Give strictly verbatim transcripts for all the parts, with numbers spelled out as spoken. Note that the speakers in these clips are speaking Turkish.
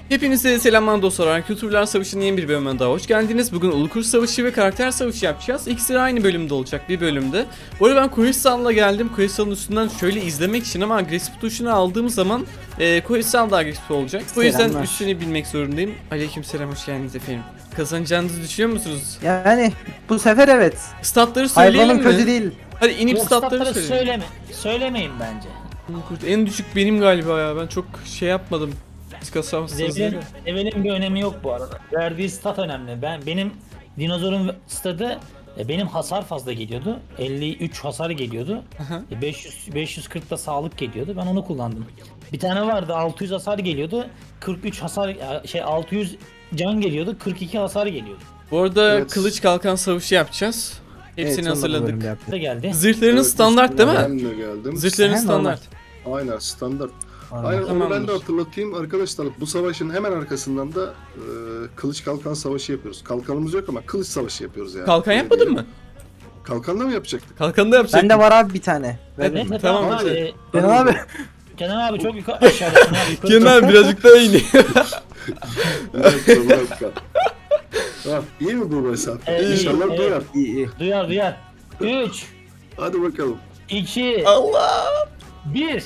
Hepinize selamlar dostlar. Kültürler Savaşı'nın yeni bir bölümüne daha hoş geldiniz. Bugün Ulukurt Savaşı ve Karakter Savaşı yapacağız. İkisi de aynı bölümde olacak, bir bölümde. Bu arada ben Koyusal'la geldim. Koyusal'ın üstünden şöyle izlemek için ama agresif tuşunu aldığım zaman e, Koyusal da agresif olacak. Bu yüzden Selamlar. üstünü bilmek zorundayım. Aleykümselam, hoş geldiniz efendim. Kazanacağınızı düşünüyor musunuz? Yani bu sefer evet. Statları söyleyelim Hayvanın mi? kötü değil. Hadi inip Yok, statları statları söyleyelim. söyleme. Söylemeyin bence. Ulukurt en düşük benim galiba ya. Ben çok şey yapmadım. Siz kasamazsınız. Levelin, levelin bir önemi yok bu arada. Verdiği stat önemli. Ben benim dinozorun stadı e, benim hasar fazla geliyordu. elli üç hasar geliyordu. Aha. E, beş yüz beş yüz kırk da sağlık geliyordu. Ben onu kullandım. Bir tane vardı altı yüz hasar geliyordu. kırk üç hasar şey altı yüz can geliyordu. kırk iki hasar geliyordu. Bu arada Evet. kılıç kalkan savaşı yapacağız. Hepsini Evet, sonra bu bölümde hazırladık. yaptık. Da geldi. Zırhlarınız Evet, standart değil mi? Ben de geldim. Zırhların Sen standart. Aynen standart. Aynen. Aynen onu ben Tamamdır. de hatırlatayım arkadaşlar. Bu savaşın hemen arkasından da e, kılıç kalkan savaşı yapıyoruz. Kalkanımız yok ama kılıç savaşı yapıyoruz yani. Kalkan Öyle yapmadın diyelim. mı? Kalkanla mı yapacaktık? Kalkanı da yapacak. Bende var abi bir tane. Evet. Ver. Neyse Tamam, tamam, hadi. abi. Kenan abi. Kenan abi çok yukarı aşağıdasın abi. Yukarı Kenan abi birazcık daha iyi. Bir dakika bir dakika. Tamam, iyi mi bu mesafe? Evet, iyi, İnşallah evet. duyar. İyi iyi. Duyar duyar. üç, Hadi bakalım. iki, Allah. bir.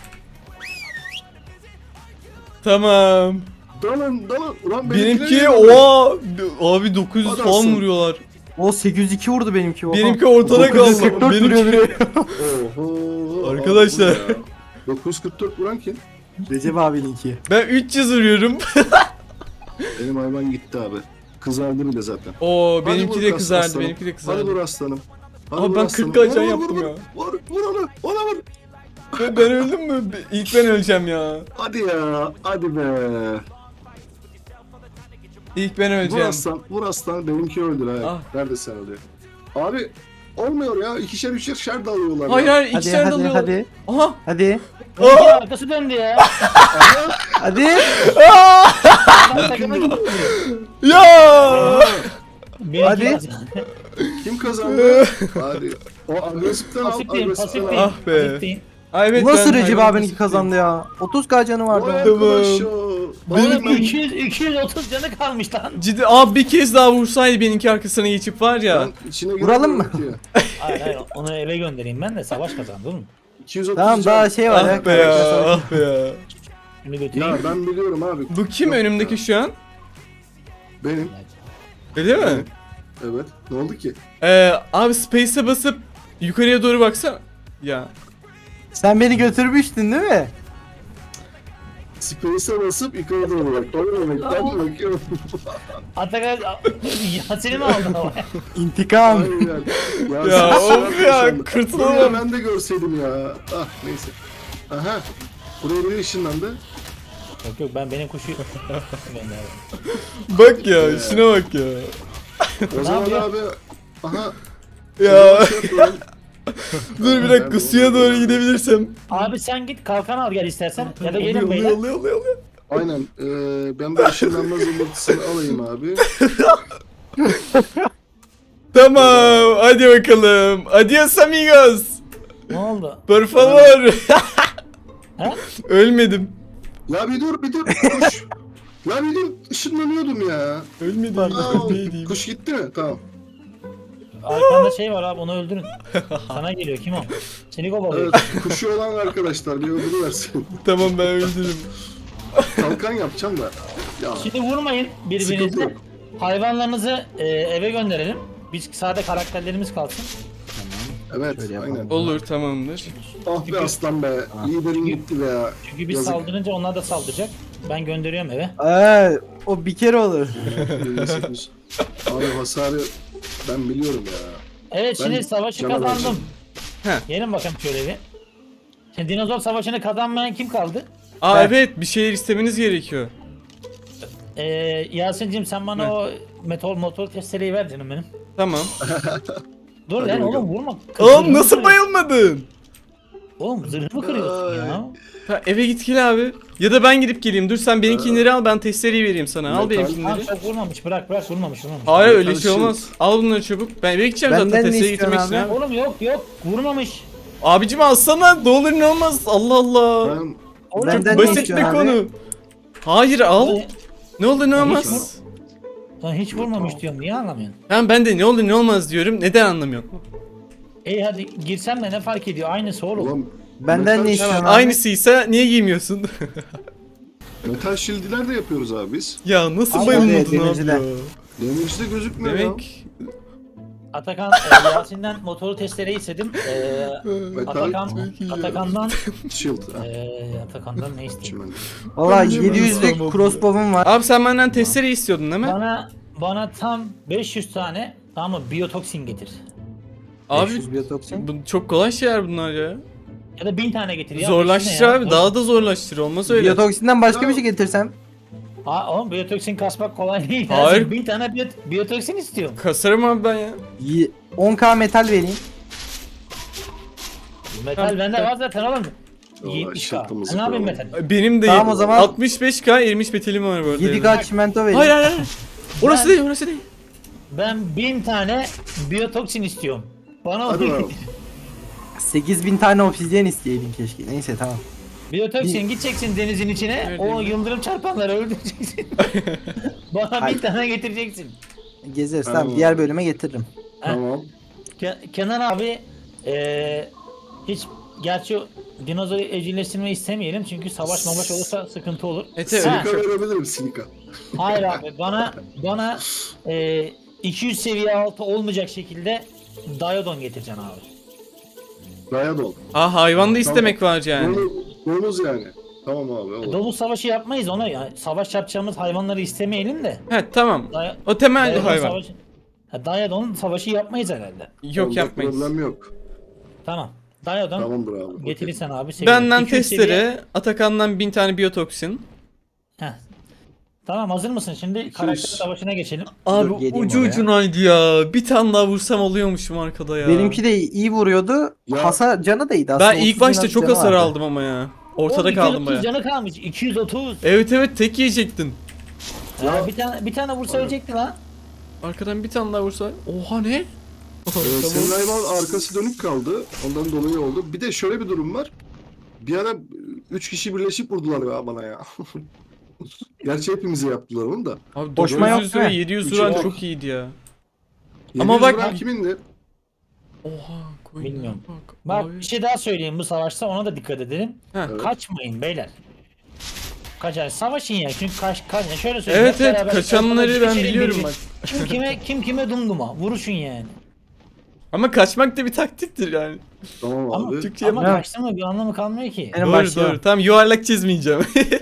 Tamam. Dalın dalın. Ulan Benimki benimkiler- oha abi dokuz yüz Hadi falan aslan. vuruyorlar. O sekiz yüz iki vurdu benimki. Oha. Benimki ortada dokuz yüz kaldı. kırk dört vuruyor Benimki biri. Oho. Arkadaşlar. abi bu ya. dokuz yüz kırk dört vuran kim? Recep abininki. ben üç yüz vuruyorum. Benim hayvan gitti abi. Kızardı bile zaten. Oo Hadi benimki vur de kas- kızardı. aslanım. Benimki de Hadi kızardı. vur aslanım. Hadi Abi vur ben aslanım. kırk can Vur, vur, yaptım vur, ya. Vur vur onu. Ona vur. Ben, ben öldüm mü? İlk ben öleceğim ya. Hadi ya. Hadi be. İlk ben Vur öleceğim. aslan. Vur aslan. Benimki öldür ha. Ah. Nerede sen oluyor? Abi olmuyor ya. İkişer üçer şer dalıyorlar Hayır ya. hayır Hadi ikişer hadi dalıyorlar. hadi. Aha. Hadi. Benimki arkası döndü ya. Hadi. Ben takıma gidiyorum. Ya. Benimki Hadi. kazandı. Kim kazandı? Hadi. O agresiften al. Pasifteyim, Agresiften al. pasifteyim. Ah be. pasifteyim. Ay evet, Nasıl ben Recep hayvan abininki kesikliyim. kazandı ya? otuz k canı vardı. Vay onun. arkadaş ya. Oğlum Ben- iki yüz iki yüz otuz canı kalmış lan. Ciddi abi bir kez daha vursaydı benimki arkasına geçip var ya. Ben içine Vuralım mı? giremiyorum ki. Hayır hayır onu eve göndereyim ben de savaş kazandı oğlum. iki yüz otuz Tamam can. daha şey var ya. Ah be ya, ah be ya. Şunu götüreyim. Ya ben biliyorum abi. Bu kim Yok önümdeki ya. şu an? Benim. Öyle mi? Evet. Evet. Ne oldu ki? Ee, abi space'e basıp yukarıya doğru baksana. Ya. Sen beni götürmüştün değil mi? Space'e basıp yukarı doğru bak. O ne demek? Ben de bakıyorum. Atakan ya seni mi aldın ama? İntikam. Aynen. Ya sen- of sen- ya, sen- kırtılamam. Buraya ben de görseydim ya. Ah neyse. Aha. Buraya biri ışınlandı. Yok yok ben benim kuşu gönderdim. Bak ya, şuna bak ya. O zaman yapıyor? abi. Aha. Ya şey yapıyorum. dur bir dakika, suya doğru gidebilirsem. Abi sen git kalkan al gel istersen ya da Oluyor, gelin oluyor, beyler. oluyor, oluyor, oluyor. Aynen. Ee, ben bu ışınlanma zımbırtısını alayım abi. Tamam, hadi bakalım. Adios amigos. Ne oldu? Por favor. Ha? Ya Ölmedim. bir dur bir dur. Kuş. Ya bir dur. Işınlanıyordum ya. Ölmedim. Aa, Ölmeydim. kuş gitti mi? Tamam. Arkanda şey var abi onu öldürün. Sana geliyor kim o? Seni kovalıyor. Evet. Kuşu olan arkadaşlar bir ödülü versin. Tamam, ben öldürürüm. Kalkan yapacağım da. Ya. Şimdi vurmayın Sıkıntı birbirinize. yok. Hayvanlarınızı e, eve gönderelim. Biz sade karakterlerimiz kalsın. Evet. Şöyle yapalım. Aynen. Olur, tamamdır. Ah be aslan be. Liderin gitti be ya. Çünkü biz Yazık. saldırınca onlar da saldıracak. Ben gönderiyorum eve. Ee, o bir kere olur. yirmi sekiz. Abi hasarı ben biliyorum ya. Evet Ben şimdi savaşı canavar kazandım. canım. Heh. Gelin bakalım şöyle bir. Şimdi dinozor savaşını kazanmayan kim kaldı? Aa Ben- evet, bir şeyler istemeniz gerekiyor. Ee, Yasin'cim sen bana Ne? o metal motor testereyi ver canım benim. Tamam. Dur Hadi lan bakalım. oğlum vurma. Oğlum Zırhımı nasıl kırıyor- bayılmadın? Oğlum zırhımı kırıyorsun ya. Ha, eve git gel abi. Ya da ben gidip geleyim. Dur sen benimkileri al, ben testereyi vereyim sana. Al Metal- Lan benimkileri. çok vurmamış bırak bırak vurmamış vurmamış. Hayır öyle Metal şey shield. olmaz. Al bunları çabuk. Ben eve gideceğim Benden zaten ne testereyi istiyorsun getirmek için abi? abi. Oğlum yok yok vurmamış. Abicim alsana, ne olur ne olmaz. Allah Allah. Ben Oğlum, Benden ne Basit bir istiyorsun abi? konu. Hayır al. Vallahi Ne olur ne Hiç olmaz. Lan hiç vurmamış diyorum. Niye anlamıyorsun? Ben ben de ne olur ne olmaz diyorum. Neden anlamıyorsun? İyi hadi girsem de ne fark ediyor? Aynısı oğlum. Ulan Benden metal- ne istiyorsun Tamam, abi? aynısıysa niye giymiyorsun? Metal shield'ler de yapıyoruz abi biz. Ya nasıl Abi, bayılmadın evet, abi demircide. ya? Damage'de gözükmüyor ya. Demek Atakan e, Yasin'den motoru testereyi istedim. E, Metal Atakan çok iyi ya. Atakan'dan shield. Ha. e, Atakan'dan ne isteyeyim? Çimen. Valla Ben de yedi yüzlük ben de crossbow'um var. abi sen benden testere istiyordun değil mi? Bana bana tam beş yüz tane tamam mı biyotoksin getir. Abi beş yüz biyotoksin. bu çok kolay şeyler bunlar ya. Ya da bin tane getir ya. Zorlaştır beş yüz ne ya? abi, daha da zorlaştır, olmaz öyle. Biyotoksinden başka Ya. bir şey getirsem. Ha oğlum biyotoksin kasmak kolay değil. Hayır. Hayır. bin tane biyot biyotoksin istiyorum. Kasarım abi ben ya. y- on K metal vereyim. Metal bende var zaten oğlum. Vallahi yetmiş K. şırtımızı Ne yapayım koyalım. metal? Benim de Tamam, o zaman- altmış beş K erimiş metalim var bu arada. yedi K çimento vereyim. Hayır hayır hayır. Orası Ben- değil, orası değil. Ben bin tane biyotoksin istiyorum. Bana Hadi onu bakalım. getir. sekiz bin tane obsidyen isteyeydin keşke. Neyse tamam. Biyotoksin gideceksin denizin içine. Nerede O mi? yıldırım çarpanları öldüreceksin. Bana Hayır. bin tane getireceksin. Gezeriz Tamam. tamam. Diğer bölüme getiririm. Tamam. Ke- Kenan abi eee hiç gerçi o dinozor evcilleştirmeyi istemeyelim çünkü savaş mavaş olursa sıkıntı olur. Evet, evet. Ha, Silika verebilirim silika. hayır abi bana bana eee iki yüz seviye altı olmayacak şekilde Diodon getireceksin abi. Dayadol. Aa, hayvan da istemek var yani. Bunu, bonus yani. Tamam abi olur. Domuz savaşı yapmayız ona ya. Savaş yapacağımız hayvanları istemeyelim de. He tamam. Day- O temel bir Diodon hayvan. savaşı- Ha, Diodon savaşı yapmayız herhalde. Yok Onda yapmayız. Problem yok. Tamam. Diodon Tamamdır abi. okey. getirirsen abi sevinirim. Benden iki yüz seviye- testere, Atakan'dan bin tane biyotoksin. Heh. Tamam hazır mısın? Şimdi karakter savaşına geçelim. Abi Dur, geleyim ucu oraya. ucunaydı ya. Bir tane daha vursam oluyormuşum arkada ya. Benimki de iyi vuruyordu. Ya. Hasar canı da iyiydi aslında. Ben ilk otuz bin başta az çok canı hasar vardı. aldım ama ya. Ortada Oğlum, kaldım iki yüz otuz baya. canı kalmış. iki yüz otuz. Evet evet, tek yiyecektin. Ya, bir tane bir tane vursa ölecekti lan. Arkadan bir tane daha vursa. Oha ne? Ee, senin hayvan arkası dönük kaldı. Ondan dolayı oldu. Bir de şöyle bir durum var. Bir ara üç kişi birleşip vurdular ya bana ya. Gerçi hepimize yaptılar onu da. Abi Koşma yok dokuz yüz ve değil mi? yedi yüz Üçü vuran yok. çok iyiydi ya. Ama Ama bak- bak kimindi? Oha koyun. Bilmiyorum. Bak. Bak abi. bir şey daha söyleyeyim bu savaşta ona da dikkat edelim. Ha. Evet. Kaçmayın beyler. Kaçar. Savaşın ya. Çünkü kaç kaç şöyle söyleyeyim. Evet hep evet, beraber kaçanları ortada ben düşelim biliyorum birbirine. bak. Kim kime kim kime dumduma. Vuruşun yani. Ama kaçmak da bir taktiktir yani. Tamam Ama, abi. Türkçe ama yapma. kaçtın mı bir anlamı kalmıyor ki. Benim Doğru başlıyorum. doğru. Tamam, yuvarlak çizmeyeceğim.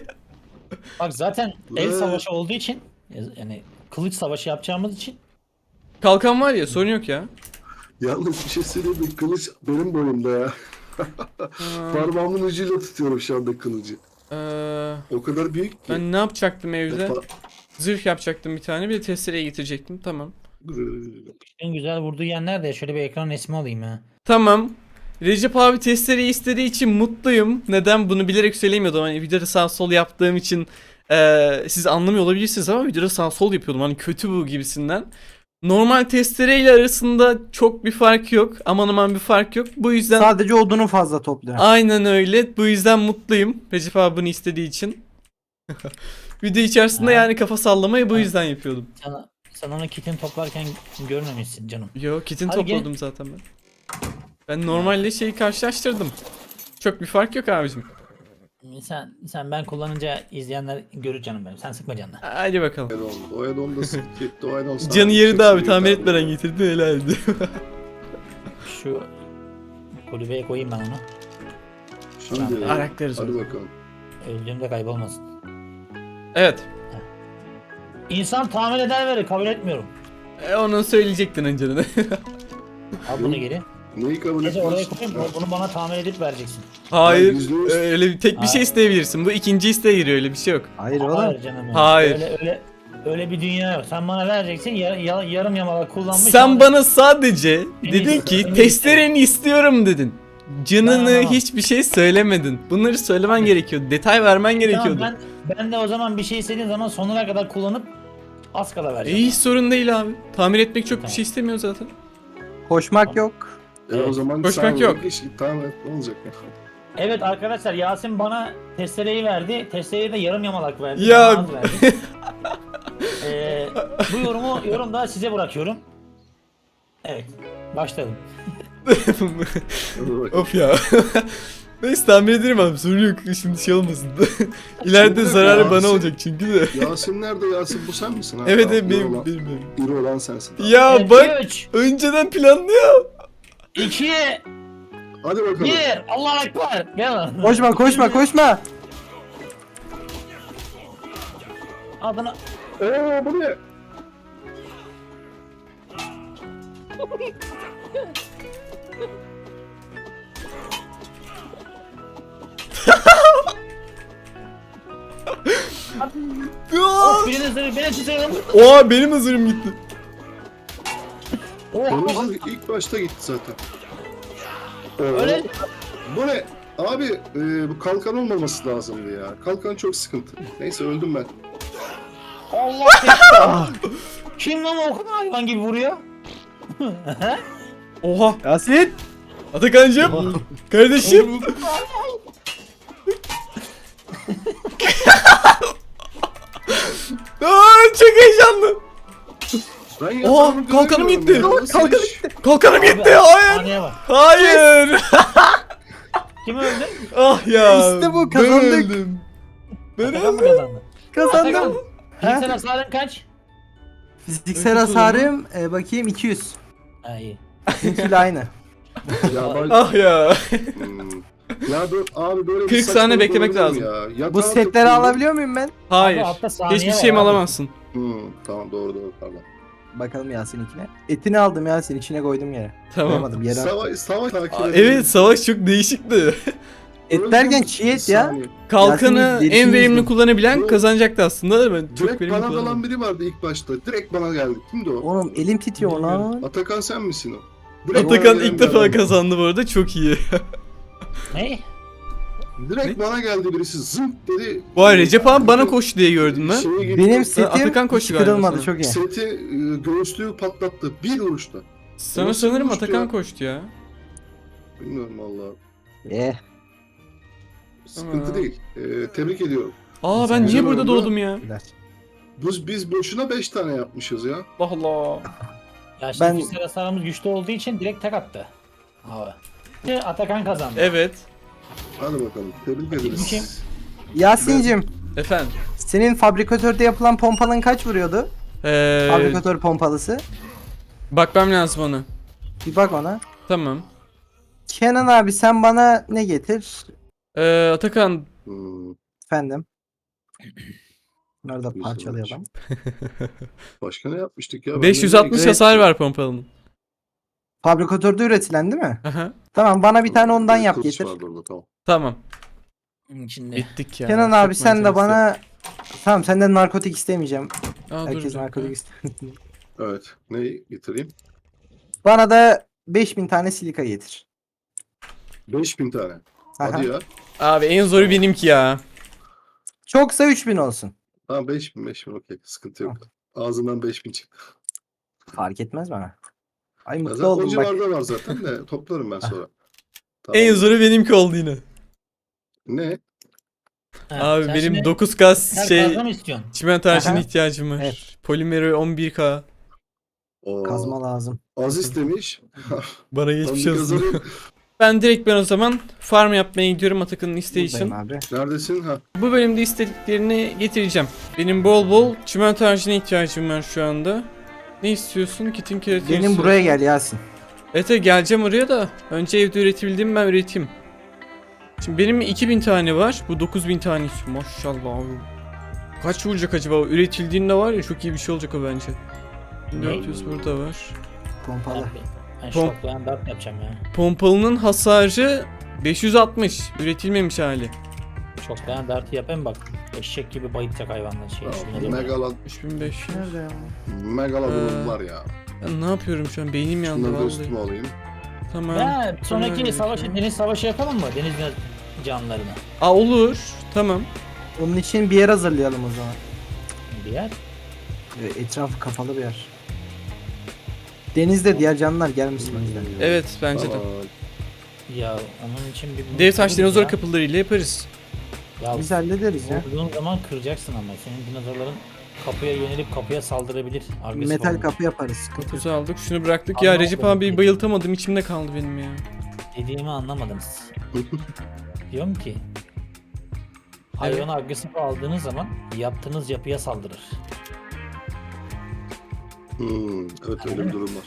Bak zaten el Evet. savaşı olduğu için yani kılıç savaşı yapacağımız için Kalkan var ya, sorun yok ya. Yalnız bir şey söyleyeyim mi? Kılıç benim boyumda ya. Parmağımın ucuyla tutuyorum şu anda kılıcı. Ee, O kadar büyük ki. ben ne yapacaktım evde? Pa- Zırh yapacaktım bir tane, bir de testereye getirecektim. Tamam. en güzel vurduğu yer nerede? Şöyle bir ekran resmi alayım ya. Tamam. Recep abi testereyi istediği için mutluyum. Neden? Bunu bilerek söylemiyordum. Hani videoda sağ sol yaptığım için eee, siz anlamıyor olabilirsiniz ama videoda sağ sol yapıyordum. Hani kötü bu gibisinden. Normal testereyle arasında çok bir fark yok. Aman aman bir fark yok. Bu yüzden Sadece odunu fazla topluyor. aynen öyle. Bu yüzden mutluyum. Recep abi bunu istediği için. Video içerisinde Ha. yani kafa sallamayı bu Ha. yüzden yapıyordum. Sana, sen onu kitini toplarken görmemişsin canım. Yo, kitin Hadi gel. topladım zaten ben. Ben normalde şeyi karşılaştırdım. Çok bir fark yok abicim. Sen sen ben kullanınca izleyenler görür canım benim. Sen sıkma canını. Hadi bakalım. Oedon, Oedon da gitti. Oedon sağ- Canı yerinde çok abi, iyi tamir abi. etmeden getirdin, helaldi. Şu kulübeye koyayım ben onu. Şimdi Araklarız hadi onu. bakalım. Öldüğümde kaybolmasın. Evet. İnsan tamir eder verir kabul etmiyorum. E, onu söyleyecektin önceden. Al bunu geri. Neyi kabul Gece oraya etmez? koyayım bunu bana tamir edip vereceksin. Hayır. yüzde yüz- Öyle bir tek bir şey Hayır. isteyebilirsin. Bu ikinci isteğe giriyor, öyle bir şey yok. Hayır oğlum. Hayır canım. benim. Hayır. Öyle öyle öyle bir dünya yok. Sen bana vereceksin yar, ya- yarım yamalak kullanmış. Sen sonra- bana sadece En dedin iyisi- ki en iyisi. testereni istiyorum dedin. Canını Ben anlamam. hiçbir şey söylemedin. Bunları söylemen gerekiyordu. Detay vermen gerekiyordu. Tamam, ben, ben de o zaman bir şey istediğim zaman sonuna kadar kullanıp az kala vereceğim. E, hiç sorun değil abi. Tamir etmek çok bir Tamam. şey istemiyor zaten. Koşmak yok. E o zaman Koşmak sen yok. Iş, tamam et, ne olacak ya? Evet arkadaşlar, Yasin bana testereyi verdi. Testereyi de yarım yamalak verdi. Ya. bana az verdi. Ee, bu yorumu yorumda size bırakıyorum. Evet, başladım. Hadi bakalım. Of ya. Neyse tahmin ederim abi, sorun yok, şimdi şey olmasın da. İleride Şimdi zararı Yasin- bana olacak çünkü de. Yasin nerede? Yasin bu sen misin? Ha? Evet Tamam, evet iri benim, olan- benim, benim. İri olan sensin. Ya Evet, bak, üç, önceden planlıyor. iki, Hadi bakalım. bir. Allahu Ekber. Gel lan. Koşma koşma koşma. Adına. Eee bu ne? Of, birinin zırhı, birinin zırhı. Oha, benim hazırım gitti. Oh, Kırmızı ilk başta gitti zaten. Oo, öyle. Bu ne? Abi e, bu kalkan olmaması lazımdı ya. Kalkan çok sıkıntı. Neyse öldüm ben. Allah Ekber. Kim lan o kadar hayvan gibi vuruyor? Oha, Yasin. Atakan'cığım. Kardeşim. Aa, çok heyecanlı. Ben Oha, yatağımı kalkanım göremiyorum gitti. ya. Nasıl Kalkanım iş? Kalkanım Abi, gitti. Hayır. Sahneye bak. Hayır. Kim öldü? Ah ya. İşte bu, ben kazandık. öldüm. Ben Atakan mı öldüm. kazandı? Kazandım. Atakan, Ha? fiziksel hasarın kaç? Fiziksel hasarım e, bakayım iki yüz. Ha iyi. Bizimkiyle aynı. Ya ben... Ah ya. Hmm. Ya dur abi böyle bir kırk saçmalık saniye beklemek olabilir mi lazım. Ya. Bu Yatağa setleri tıklıyorum. alabiliyor muyum ben? Hayır. Abi altta saniye Hiçbir var şeyimi abi. alamazsın. Hmm, tamam doğru doğru pardon. Bakalım Yasin'inkine. Etini aldım Yasin, içine koydum yere. Tamam. Koymadım yere. attım. Savaş, savaş takip Aa, edelim. evet, savaş çok değişikti. Et derken çiğ et ya. Saniye. Kalkanı Yasin'in en dediğini verimli izledim. kullanabilen Bu- kazanacaktı aslında da ben çok Direkt verimli bana dalan kullanamadım. biri vardı ilk başta. Direkt bana geldi. Kimdi o? Oğlum elim titriyor lan. Atakan sen misin o? Direkt bana Atakan gelen ilk bir defa adam. kazandı bu arada, çok iyi. Ne? Direkt bana geldi birisi zınk dedi. Vay, Recep abi bana koştu diye gördün mü? Şeye gitti, Benim Ha, setim Atakan hiç koştu galiba kırılmadı, sana. çok iyi. Seti e, göğüslüğü patlattı. Bir vuruşta. Sana Nasıl sanırım konuştu Atakan ya? koştu ya. Bilmiyorum valla. Eh. Sıkıntı Aa. değil. E, tebrik ediyorum. Aa, ben Güzel niye burada oldu. doğdum ya? Güzel. Biz, biz boşuna beş tane yapmışız ya. Allah Allah. Ya şimdi Ben- fiziksel hasarımız güçlü olduğu için direkt tek attı. Abi. Atakan kazandı. Evet. Hadi bakalım. Tebrik Kim? ederiz. Yasin'cim, Efendim. senin fabrikatörde yapılan pompalın kaç vuruyordu? Ee, Fabrikatör pompalısı. bakmam lazım ona. Bir bak ona. Tamam. Kenan abi sen bana ne getir? Ee, Atakan. Hmm, Efendim. Bunları da Güzel parçalayalım. başka ne yapmıştık ya? Ben beş yüz de- altmış hasar var pompalının. Fabrikatörde üretilen değil mi? Aha. Tamam, bana bir tane ondan yap Kılıç getir. vardı orada, tamam. Tamam. İçinde. Bittik ya. Kenan Çok abi sen de mantıklı. bana... Tamam, senden narkotik istemeyeceğim. Aa, dur, Herkes dur. narkotik istemiyor. Evet. Neyi getireyim? Bana da beş bin tane silika getir. beş bin tane. Aha. Hadi ya. Abi en zoru benimki ya. Çoksa üç bin olsun. Tamam beş bin beş bin okey. Sıkıntı yok. Ağzından beş bin çıktı. Fark etmez bana. Ay Ya mutlu zaten o oldum bak. civarda var zaten de toplarım ben sonra. Tamam. En zoru benimki oldu yine. Ne? Ha, Abi sen benim şimdi dokuz kas her şey fazla mı istiyorsun? çimento harcına Aha. ihtiyacım var. Evet. Polimeri on bir K. Oo, Kazma lazım. Aziz demiş. Bana Ben geçmiş bir olsun. kazanayım. Ben direkt ben o zaman farm yapmaya gidiyorum Atakan'ın isteği için. Buradayım abi. Neredesin? Ha. Bu bölümde istediklerini getireceğim. Benim bol bol çimento harcına ihtiyacım var şu anda. Ne istiyorsun? Kitin keratini Benim istiyorsun. buraya gel Yasin. Evet evet, geleceğim oraya da. Önce evde üretebildiğimi ben üreteyim. Şimdi benim iki bin tane var. Bu dokuz bin tane istiyor. Maşallah abi. Kaç vuracak acaba? Üretildiğinde var ya, çok iyi bir şey olacak o bence. dört yüz burada var. Pompalı. Abi, ben Pom- şoklayan dart yapacağım ya. Pompalının hasarı beş yüz altmış. Üretilmemiş hali. Şoklayan dartı yapayım bak. Eşek gibi bayılacak hayvanlar şey. Ya, Şuna da- Megalod, üç bin beş yüz. Nerede ya? Megalodon Ee, var ya. Ben ne yapıyorum şu an? Beynim yandı Şunları da vallahi. üstüme alayım. Tamam. Ya sonraki Tamam, savaşı, tamam. deniz savaşı yapalım mı? Deniz canlılarına. Aa, olur. Tamam. Onun için bir yer hazırlayalım o zaman. Bir yer. Ee, Etrafı kapalı bir yer. Denizde diğer canlılar gelmesin o yüzden. Evet bence de. Tamam. Ya onun için bir... Dev taş dinozor ya. kapılarıyla yaparız. Ya Biz hallederiz ya. vurduğun zaman kıracaksın ama senin dinozorların kapıya yönelip kapıya saldırabilir. Agresif Metal olmak. kapı yaparız. Sıkıntı yok. Kuzu aldık. Şunu bıraktık. Ya Anlamadım. Recep abi bayıltamadım. İçimde kaldı benim ya. Dediğimi anlamadınız. Diyorum ki hayvanı agresif aldığınız zaman yaptığınız yapıya saldırır. Hmm, evet öyle bir durum var.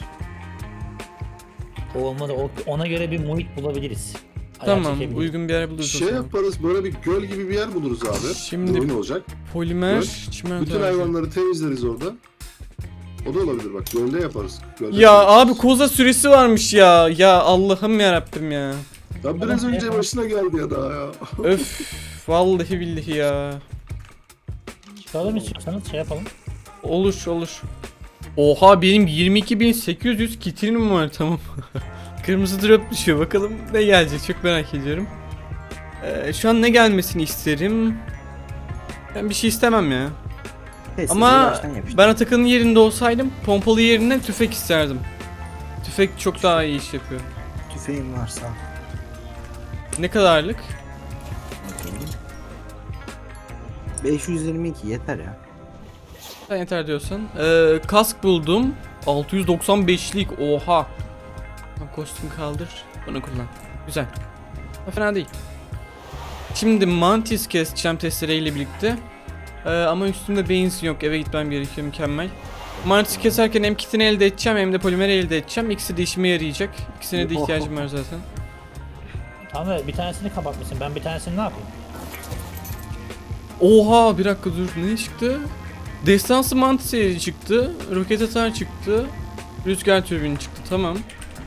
O olmadı o- ona göre bir muhit bulabiliriz. Ayağa Tamam. çekebiliriz. Uygun bir yer buluruz o Şey zaman. yaparız, böyle bir göl gibi bir yer buluruz abi. Şimdi- Oyun olacak. Polimer, Göl. çimento. Bütün hayvanları temizleriz orada. O da olabilir bak, gölde yaparız. Gölde Ya yaparız. abi koza süresi varmış ya. Ya Allah'ım ya Rabbim ya. Ya biraz Tamam, önce yapalım. başına geldi ya daha ya. Öf. Vallahi billahi ya. Çıkalım istiyorsanız şey yapalım. Olur olur. Oha benim yirmi iki bin sekiz yüz kitinim var tamam. Kırmızı drop düşüyor bakalım ne gelecek çok merak ediyorum. Ee, şu an ne gelmesini isterim. Ben bir şey istemem ya. Test Ama baştan yapıştır. ben Atakan'ın yerinde olsaydım pompalı yerine tüfek isterdim. Tüfek çok daha iyi iş yapıyor. Tüfeğim varsa. Ne kadarlık? beş yüz yirmi iki yeter ya. Sen yeter diyorsan. Ee, kask buldum. altı yüz doksan beşlik oha. Tamam, kostüm kaldır. Bunu kullan. Güzel. Ha, fena değil. Şimdi mantis keseceğim testereyle birlikte. Ee, ama üstümde benzin yok. Eve gitmem gerekiyor. Mükemmel. Mantis keserken hem kitini elde edeceğim hem de polimeri elde edeceğim. İkisi de işime yarayacak. İkisine de ihtiyacım var zaten. Tamam da bir tanesini kapatmışsın. Ben bir tanesini ne yapayım? Oha bir dakika dur. Ne çıktı? Destansı mantis yeri çıktı. Roket atar çıktı. Rüzgar türbini çıktı. Tamam.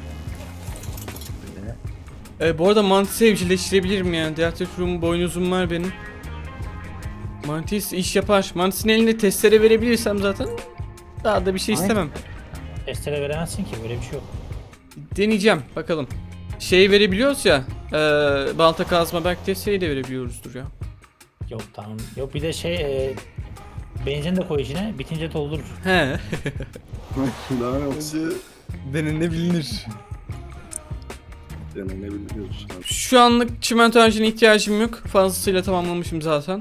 Ee, bu arada mantis evcilleştirebilirim yani. Diatefrum boynuzum var benim. Mantis iş yapar. Mantis'in eline testere verebilirsem zaten daha da bir şey Ay. istemem. Testere veremezsin ki böyle bir şey yok. Deneyeceğim bakalım. Şey verebiliyoruz ya. E, balta kazma belki testereyi de verebiliyoruzdur ya. Yok tamam. Yok bir de şey e, benzin de koy içine bitince doldurur. He. Daha yoksa Denenebilir. denenebiliyoruz. Şu anlık çimento harcına ihtiyacım yok. Fazlasıyla tamamlamışım zaten.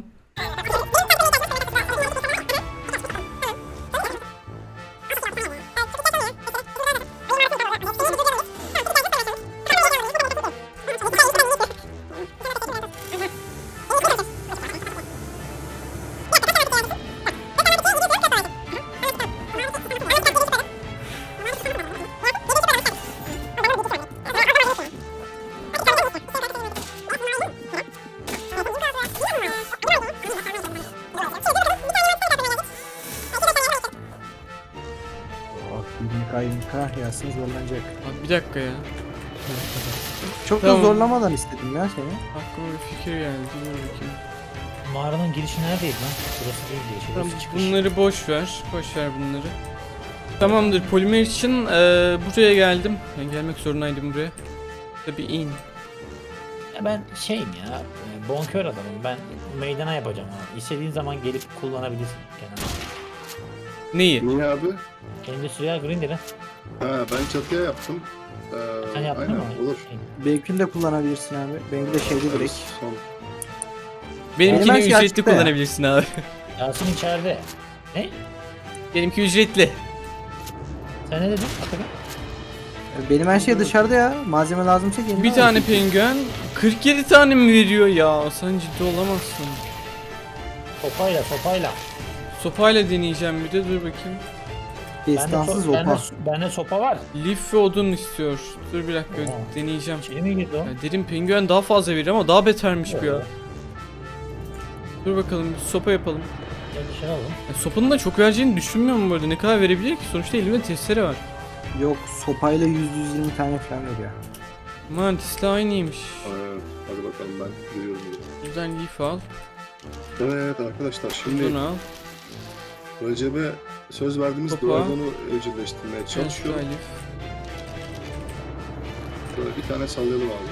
yirmi K yirmi K yazsın zorlanacak. Abi bir dakika ya. Çok Tamam. da zorlamadan istedim ya seni. Aklıma bir fikir geldi. Dur bakayım. Mağaranın girişi neredeydi lan? Burası değil diye. Tamam, Şurası çıkış. bunları boş ver. Boş ver bunları. Tamamdır. Polimer için eee, buraya geldim. Ben gelmek zorundaydım buraya. Tabii in. Ya ben şeyim ya. e, Bonkör adamım. Ben meydana yapacağım abi. İstediğin zaman gelip kullanabilirsin kenara. Neyi? Niye abi? Endüstriyel Grinder'ı. Ha ben çatıya yaptım. Ee, Sen yaptın aynen mı? olur. Benimkini de kullanabilirsin abi. Benimki de şeydi direkt. Son. Benimkini Benim her şey ücretli açıkta ya. kullanabilirsin abi. Yasin içeride. Ne? Benimki ücretli. Sen ne dedin? Atakan? Benim her şey dışarıda ya. Malzeme lazımsa gelin. Bir tane penguen kırk yedi tane mi veriyor ya? Sen ciddi olamazsın. Sopayla sopayla. Sopayla deneyeceğim bir de dur bakayım. Destansız bende, so- bende, opa. bende sopa var. Lif ve odun istiyor. Dur bir dakika Oha. deneyeceğim. İçeri mi girdi o? Ya dedim penguen daha fazla verir ama daha betermiş bu ya. Oo. Dur bakalım bir sopa yapalım. Gel dışarı alalım. Ya sopanın da çok vereceğini düşünmüyorum bu arada. Ne kadar verebilir ki? Sonuçta elimde testere var. Yok sopayla yüz yüz yirmi tane falan veriyor. Mantis'le aynıymış. Evet, hadi bakalım ben giriyorum. Buradan lif al. Evet arkadaşlar şimdi Odun al. Recep'e söz verdiğimiz Topa. duvardanı evcilleştirmeye Çalışıyor. çalışıyor. Lif. Böyle bir tane sallayalım abi.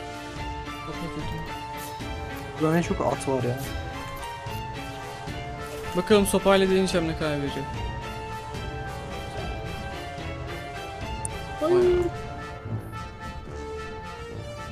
Burada ne çok at var ya. Bakalım sopayla deneyeceğim ne kadar veriyor.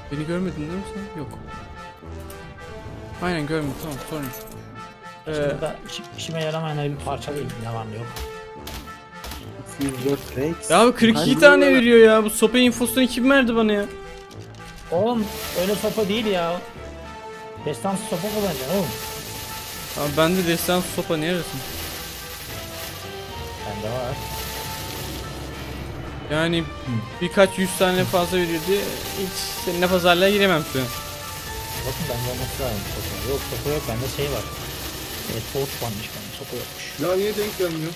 Beni görmedin değil mi sen? Yok. Aynen görmedim, tamam, sorun yok. Şimdi Ee, da iş- işime yaramayan bir parça değil. Ne var ne yok. Silver Flakes. ya abi kırk iki Hani tane böyle- veriyor ya. Bu sopa infosunu kim verdi bana ya? Oğlum öyle sopa değil ya. Destansı sopa kullanacaksın oğlum. Abi bende destan sopa ne arasın? Bende var. Yani birkaç yüz tane fazla veriyor diye hiç seninle pazarlığa giremem şu an. Bakın bende olması lazım sopa. Yok sopa yok, bende şey var. Evet, torch varmış, bende sopa yokmuş. Ya niye denk gelmiyor?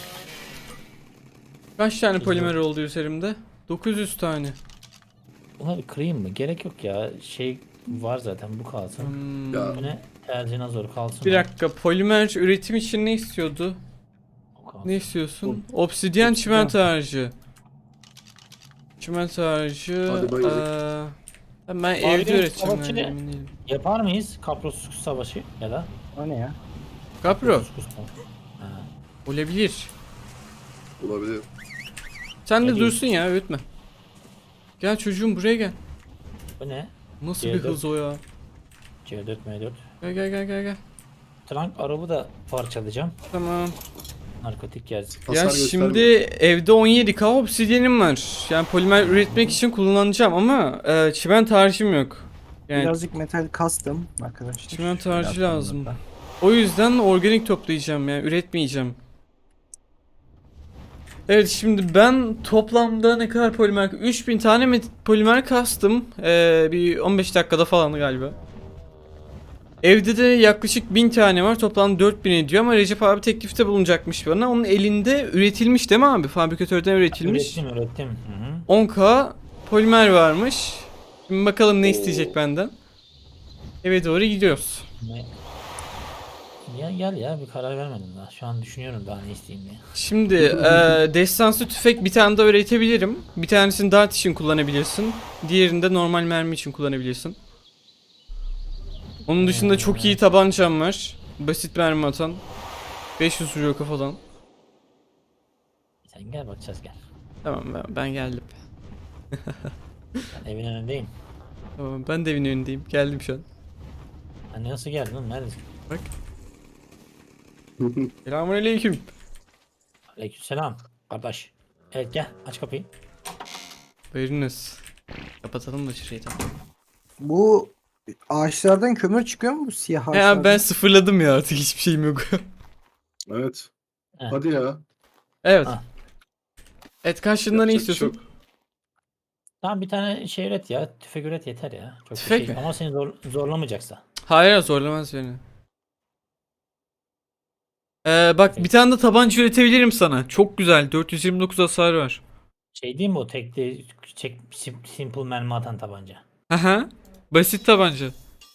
Kaç tane polimer oldu üzerimde? dokuz yüz tane. Buna bir kırayım mı? Gerek yok ya. Şey var zaten, bu kalsın. Hmm. Ya Bu ne? Tercihine zor kalsın. Bir o. dakika, polimer üretim için ne istiyordu? O kalsın. Ne istiyorsun? Obsidyen çimento harcı. Çimento harcı. Hadi bayıldık. eee, ben Abi, evde üreteceğim. savaşçı yani, ne? emin değilim. Yapar mıyız? Kapros savaşı ya da? O ne ya? Kapro. Kaproskus savaşı. Ha. Olabilir. olabilir. Sen de Ne dursun ya, öğütme. Gel çocuğum, buraya gel. Bu ne? Nasıl C bir dört. hız o ya? C dört M dört. Gel gel gel gel gel. Trunk arabı da parçalayacağım. Tamam. Narkotik gelsin. Hasar Ya göstermiyor. şimdi evde on yedi K obsidyenim var. Yani polimer üretmek için kullanacağım ama e, çimento harcım yok. Yani Birazcık metal custom arkadaşlar. çimento harcı Biraz lazım. sonra. O yüzden organik toplayacağım, yani üretmeyeceğim. Evet, şimdi ben toplamda ne kadar polimer, üç bin tane met- polimer kastım. Ee, bir on beş dakikada falan galiba. Evde de yaklaşık bin tane var, toplam dört bin ediyor ama Recep abi teklifte bulunacakmış bana. Onun elinde üretilmiş değil mi abi? Fabrikatörden üretilmiş. Ürettim ürettim. Hı hı. on K polimer varmış. Şimdi bakalım ne isteyecek benden. Eve doğru gidiyoruz. Ne? Ya gel ya, bir karar vermedim daha. Şu an düşünüyorum daha ne isteyeyim diye. Şimdi eee destansı tüfek bir tane daha üretebilirim. Bir tanesini dart için kullanabilirsin. Diğerini de normal mermi için kullanabilirsin. Onun dışında çok iyi tabancam var. Basit mermi atan. beş yüz vuruyor kafadan. Sen gel, bakacağız gel. Tamam, ben, ben geldim. Ben evin önündeyim. Tamam, ben de evin önündeyim. Geldim şu an. Hani nasıl geldin oğlum, neredesin? Bak. Selamünaleyküm. Aleykümselam kardeş. Evet gel, aç kapıyı. Buyurunuz. Kapatalım da şurayı da. Bu ağaçlardan kömür çıkıyor mu bu siyah ağaçlardan? Ya ben sıfırladım ya, artık hiçbir şeyim yok. Evet. Heh. Hadi ya. Evet. Ah. Evet, karşılığında ne Yapacak bir şey istiyorsun? Tamam, bir tane şey üret ya. Tüfek üret yeter ya. Çok bir Tüfek şey. mi? Ama seni zor, zorlamayacaksa. Hayır, zorlamaz beni. Ee, bak, bir tane de tabanca üretebilirim sana. Çok güzel. dört yüz yirmi dokuz hasar var. Şey değil mi o tekli çek, sim- simple mermi atan tabanca? Aha. Basit tabanca.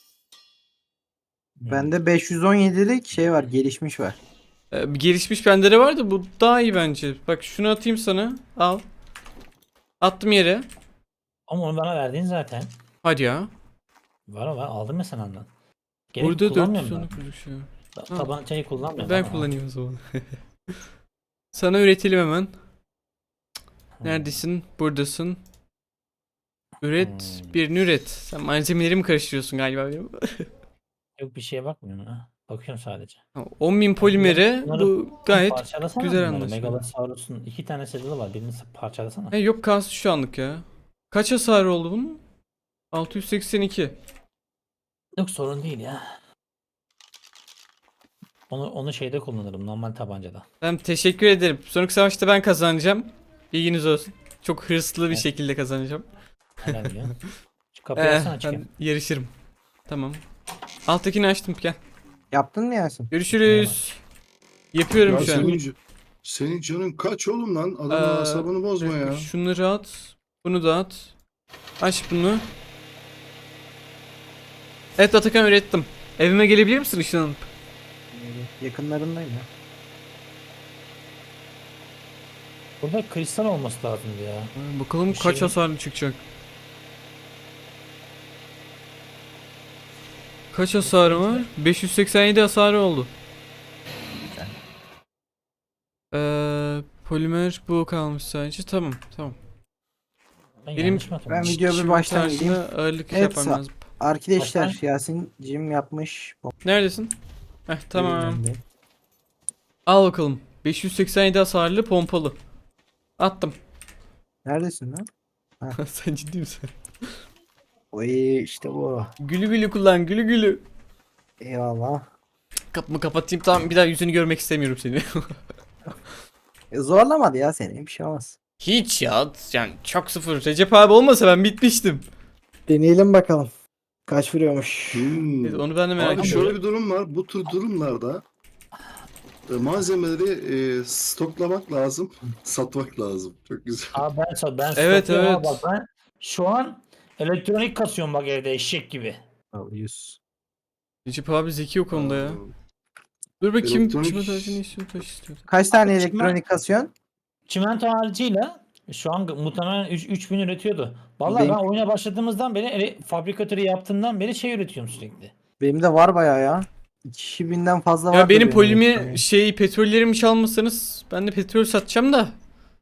Bende beş yüz on yedilik şey var, gelişmiş var. Ee, bir gelişmiş bendere var da bu daha iyi bence. Bak, şunu atayım sana. Al. Attım yere. Ama onu bana verdin zaten. Hadi ya. Var var, aldım ya sen ondan. Gerek Burada dört kullanmıyorum yüz on ben. dokuz şu. Ta- Ha. Tabancayı kullanmıyorum. Ben ama. kullanayım o zaman. Sana üretelim hemen. Hmm. Neredesin? Buradasın. Üret. Hmm. Birini üret. Sen malzemelerimi karıştırıyorsun galiba benim. Yok, bir şeye bakmıyorum ha. Bakıyorum sadece. on bin polimere Bunları- bu gayet Parçalasana güzel bunları. anlaşılıyor. Megalosaurus'un iki tane saddle'ı var. Birini parçalasana. He, yok, kalsın şu anlık ya. Kaç hasar oldu bunun? altı yüz seksen iki. Yok, sorun değil ya. Onu onu şeyde kullanırım, normal tabancada. Ben teşekkür ederim. Sonraki savaşta ben kazanacağım. Bilginiz olsun. Çok hırslı bir Evet. şekilde kazanacağım. Helal ya. Şu kapıyı Ee, açsana, çıkayım. ben yarışırım. Tamam. Alttakini açtım, gel. Yaptın mı Yasin? Görüşürüz. Yapıyorum Ya şu an. senin, senin canın kaç oğlum lan? Adamın Ee, asabını bozma ya. Şunları at. Bunu da at. Aç bunu. Evet Atakan, ürettim. Evime gelebilir misin ışınlanıp? Yakınlarındayım ya. Burada kristal olması lazımdı ya. Ha, Bakalım Bir kaç şey- hasarlı çıkacak. Kaç hasarı var? beş yüz seksen yedi hasarı oldu. Ee, polimer bu kalmış sadece. Tamam, tamam. Ben Benim- yanlış mı Ben hatırlıyorum? videoya bir Şimdi baştan tarzına gideyim. ağırlık Evet, yapmam sağ- lazım. Arkadaşlar Baştan. Yasin'cim yapmış. Neredesin? Heh tamam. Bilmem ne. Al bakalım. beş yüz seksen yedi hasarlı pompalı. Attım. Neredesin lan? Sen ciddi misin? Oy işte bu. Gülü gülü kullan, gülü gülü. Eyvallah. Kapımı kapatayım, tamam, bir daha yüzünü görmek istemiyorum seni. E, zorlamadı ya seni, bir şey olmaz. Hiç ya, yani çok sıfır. Recep abi olmasa ben bitmiştim. Deneyelim bakalım. Kaç vuruyormuş? Hmm. Evet, onu ben de merak Abi ediyorum. şöyle bir durum var. Bu tür durumlarda e, malzemeleri e, stoklamak lazım, satmak lazım. Çok güzel. Abi ben, sa- ben Evet, stokluyorum evet. abi, bak ben şu an elektronik kasıyorum bak evde eşek gibi. yüz. Recep abi zeki o konuda ya. Dur bakayım, Elektronik- kime taşı ne istiyor, taş istiyor. Kaç tane Abi, elektronik kasıyorsun? Çimento harcıyla şu an muhtemelen üç bin üretiyordu. Vallahi Benim- ben oyuna başladığımızdan beri ele- fabrikatörü yaptığımdan beri şey üretiyorum sürekli. Benim de var bayağı ya. iki binden fazla var. Ya benim polimi şey petrollerimi çalmasanız ben de petrol satacağım da.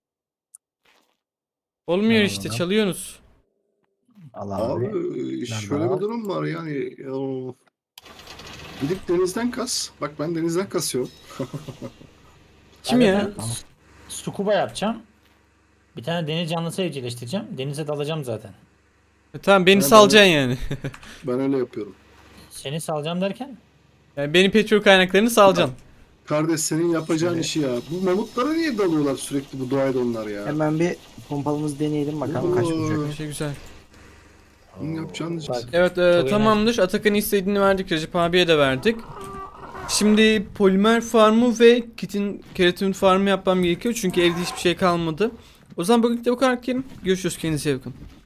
Olmuyor Tamam, işte, tamam. çalıyorsunuz. Allah Abi abi. e, şöyle var? bir durum var yani. Ya, gidip denizden kas. Bak ben denizden kasıyorum. Kim Ben de ya? ben Scuba yapacağım. Bir tane deniz canlısı evcilleştireceğim. Denize dalacağım zaten. E, tamam, beni Ben- salacaksın yani. Ben öyle yapıyorum. Seni salacağım derken? Yani benim petrol kaynaklarını salacaksın. Kardeş senin yapacağın Evet. işi ya. Bu mamutlara niye dalıyorlar sürekli bu doğayda onlar ya? Hemen bir pompalımızı deneyelim bakalım kaç Oo. vuracak. Bir şey güzel. Senin yapacağın iş. Bak, Evet e, Çok tamamdır. Atakan'ın istediğini verdik. Recep abiye de verdik. Şimdi polimer farmı ve kitin keratin farmı yapmam gerekiyor. Çünkü evde hiçbir şey kalmadı. O zaman bugün de bu kadar diyelim. Görüşürüz. Kendinize iyi bakın.